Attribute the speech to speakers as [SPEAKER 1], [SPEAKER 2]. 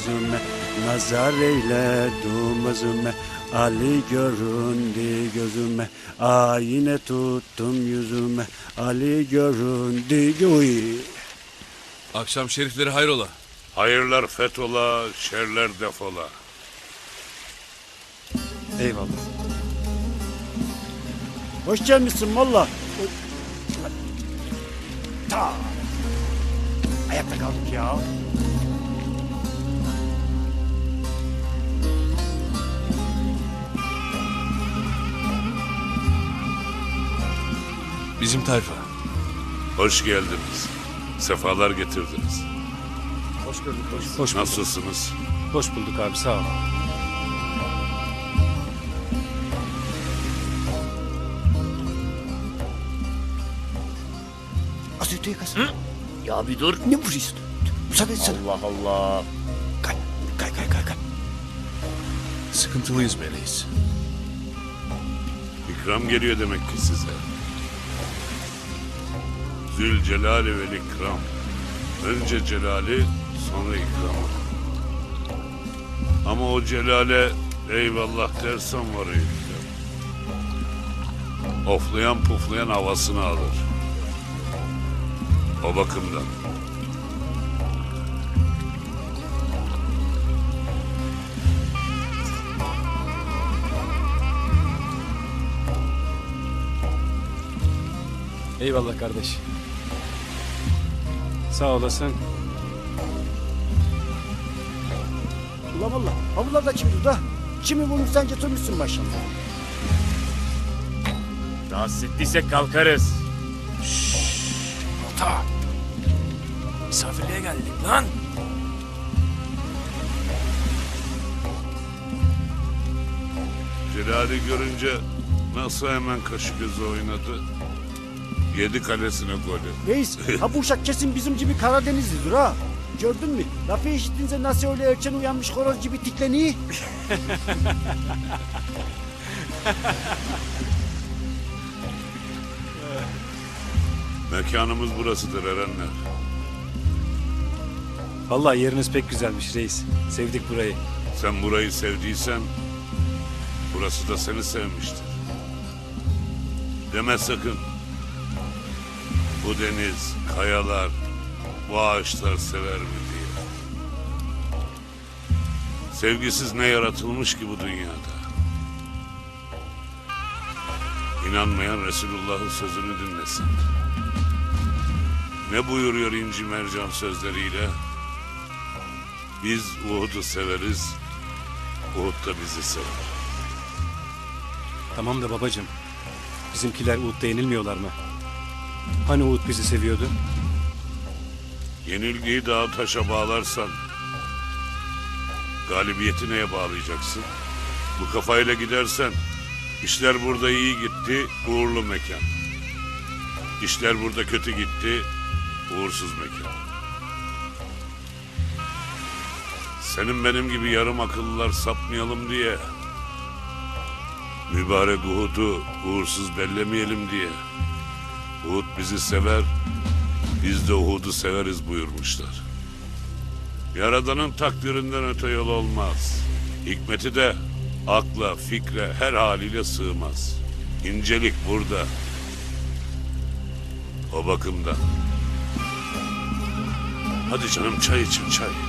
[SPEAKER 1] gözüme, nazar eyle dumazıme. Ali göründü gözüme, ayine tuttum yüzüme. Ali göründü uy.
[SPEAKER 2] Akşam şerifleri hayrola?
[SPEAKER 3] Hayırlar fetola, şerler defola.
[SPEAKER 1] Eyvallah. Hoş gelmişsin valla. Ta. Ayakta kaldık ya.
[SPEAKER 2] Bizim tayfa.
[SPEAKER 3] Hoş geldiniz. Sefalar getirdiniz.
[SPEAKER 1] Hoş gördük. Hoş bulduk.
[SPEAKER 3] Nasılsınız?
[SPEAKER 1] Hoş bulduk abi, sağ ol. Az öteye kas.
[SPEAKER 4] Ya bir dur.
[SPEAKER 1] Ne vuruyorsun? Müsaade etsene.
[SPEAKER 4] Allah Allah.
[SPEAKER 1] Kay.
[SPEAKER 2] Sıkıntılıyız be reis.
[SPEAKER 3] İkram geliyor demek ki size. Zülcelali vel ikram. Önce celali, sonra ikramı. Ama o celale eyvallah dersen var ya. Oflayan puflayan havasını alır. O bakımdan.
[SPEAKER 1] Eyvallah kardeş. Sağ olasın. Ulan valla havlularda kimdir da? Kimi vurmuş sen getirmişsin maşallah.
[SPEAKER 4] Rahatsız ettiysek kalkarız.
[SPEAKER 1] Ta.
[SPEAKER 4] Misafirliğe geldik lan.
[SPEAKER 3] Celali görünce nasıl hemen kaşı gözü oynadı. Yedi kalesine golü.
[SPEAKER 1] Reis, ha bu uşak kesin bizim gibi Karadenizlidir ha. Gördün mü? Lafı işittince nasıl öyle erken uyanmış horoz gibi tikleniyor?
[SPEAKER 3] Mekanımız burasıdır erenler.
[SPEAKER 1] Vallahi yeriniz pek güzelmiş reis. Sevdik burayı.
[SPEAKER 3] Sen burayı sevdiysen burası da seni sevmiştir. Deme sakın. Bu deniz, kayalar, bu ağaçlar sever mi diye. Sevgisiz ne yaratılmış ki bu dünyada. İnanmayan Resulullah'ın sözünü dinlesin. Ne buyuruyor İnci Mercan sözleriyle? Biz Uhud'u severiz, Uhud da bizi sever.
[SPEAKER 1] Tamam da babacığım. Bizimkiler Uhud'da yenilmiyorlar mı? Hani Uhud bizi seviyordu?
[SPEAKER 3] Yenilgiyi dağa taşa bağlarsan galibiyeti neye bağlayacaksın? Bu kafayla gidersen işler burada iyi gitti, uğurlu mekan. İşler burada kötü gitti, uğursuz mekan. Senin benim gibi yarım akıllılar sapmayalım diye, mübarek Uhud'u uğursuz bellemeyelim diye, Uhud bizi sever, biz de Uhud'u severiz buyurmuşlar. Yaradanın takdirinden öte yol olmaz. Hikmeti de akla, fikre, her haliyle sığmaz. İncelik burada. O bakımdan. Hadi canım çay için çay.